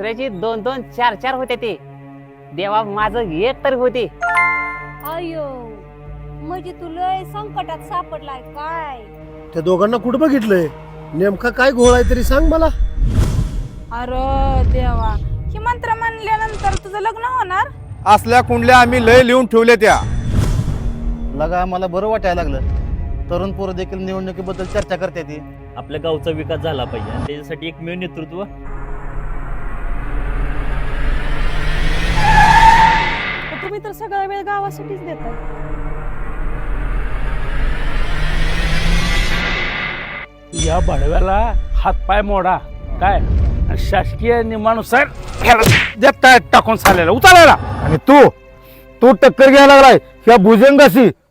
दुसऱ्याची 2-2 4-4 होते ते. देवा माझं एक तरी होते. अयो म्हणजे तू लय संकटात सापडलाय काय? त्या दोघांना कुठं बघितलंय? नेमका काय घोळ आहे तरी सांग मला. अरे देवा, ही मंत्र म्हणल्यानंतर तुझं लग्न होणार? असल्या कुंडल्या आम्ही लय लिहून ठेवल्या त्या. लगा मला बरं वाटायला लागलं. तरुण पोरं देखील निवडणुकीबद्दल चर्चा करते ती. आपल्या गावचा विकास झाला पाहिजे आणि त्याच्यासाठी एकमेव नेतृत्व तुम्ही तर सगळा वेळ गावासाठीच देताय. या बडव्याला हातपाय मोडा काय आणि शासकीय नियमानुसार देत काय टाकून चाललेला उचलायला. आणि तू टक्कर घ्यायला लागलाय या भुजंगाशी.